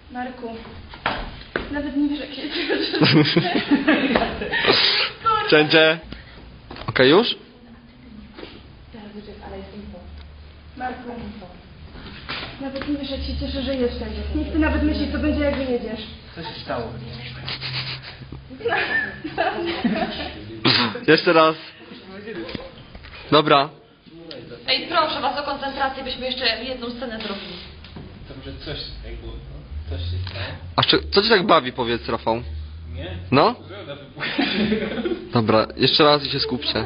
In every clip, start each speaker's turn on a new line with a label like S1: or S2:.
S1: Marku, nawet nie wiesz, jak się cieszę.
S2: Cięcie. Okej, już?
S1: Marku, nawet nie wiesz, jak się cieszę, że jesteś. Nie chcę nawet myśleć, co będzie, jak wyjedziesz.
S3: Co się stało?
S2: Jeszcze raz. Dobra.
S4: Ej, proszę was o koncentrację, byśmy jeszcze jedną scenę zrobili.
S3: To może coś jakby, no, coś się stało?
S2: A co cię tak bawi, powiedz, Rafał?
S3: Nie?
S2: No?
S3: Broda wybuchła.
S2: Dobra, jeszcze raz i się skupcie.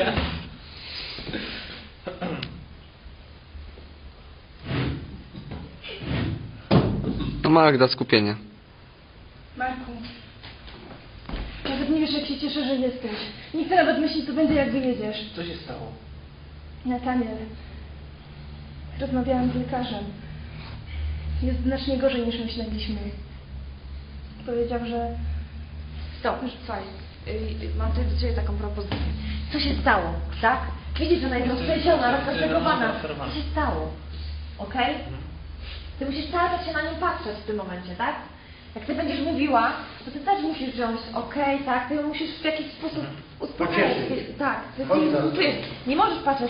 S2: No Magda, skupienie.
S1: Marku, nawet nie wiesz, jak się cieszę, że jesteś. Nie chcę nawet myśleć, co będzie, jak wyjedziesz.
S3: Co się stało?
S1: Nataniel, rozmawiałam z lekarzem. Jest znacznie gorzej, niż myśleliśmy. Powiedział, że...
S4: Stop, słuchaj, mam tutaj do ciebie taką propozycję. Co się stało, tak? Widzisz, że ona jest roztrzęsiona, rozkastegowana. Co się stało? Okej? Ty musisz cały czas się na nią patrzeć w tym momencie, tak? Jak ty będziesz mówiła, to ty też musisz wziąć, tak? Ty ją musisz w jakiś sposób uspokajać. Tak, ty czujesz. Nie możesz patrzeć,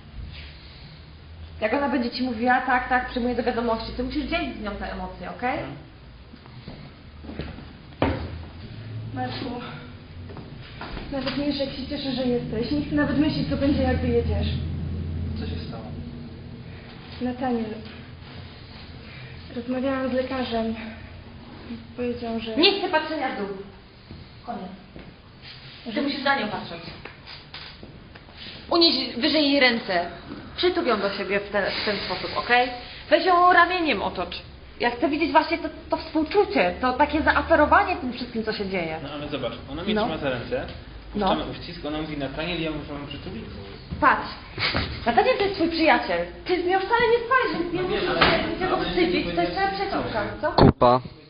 S4: jak ona będzie ci mówiła, tak, przyjmuję do wiadomości. Ty musisz dzielić z nią te emocje, okej?
S1: Marku, nawet nie wiesz, jak się cieszę, że jesteś. Nie chcę nawet myśleć, co będzie, jak wyjedziesz.
S3: Co się stało?
S1: Nataniel, rozmawiałam z lekarzem. Powiedział, że...
S4: Nie chcę patrzenia w dół. Koniec. Ty musisz na nią patrzeć. Unieś wyżej jej ręce. Przytul ją do siebie w ten sposób, okej? Weź ją ramieniem otocz. Ja chcę widzieć właśnie to współczucie, to takie zaaferowanie tym wszystkim, co się dzieje.
S3: No ale zobacz, ona mnie
S4: No.
S3: trzyma za ręce,
S4: No.
S3: puszczamy uścisk, ona mówi Nataniel, ja muszę ją przytulić.
S4: Patrz. Nataniel to jest twój przyjaciel. Ty z nią wcale nie spalisz, więc nie
S3: No wiem,
S4: musisz
S3: ale-
S4: się niczego
S3: ale
S4: wstydzić.
S3: nie
S4: To jest twoja
S3: powiedziałeś,
S4: przyjaciółka, co?
S2: Kupa.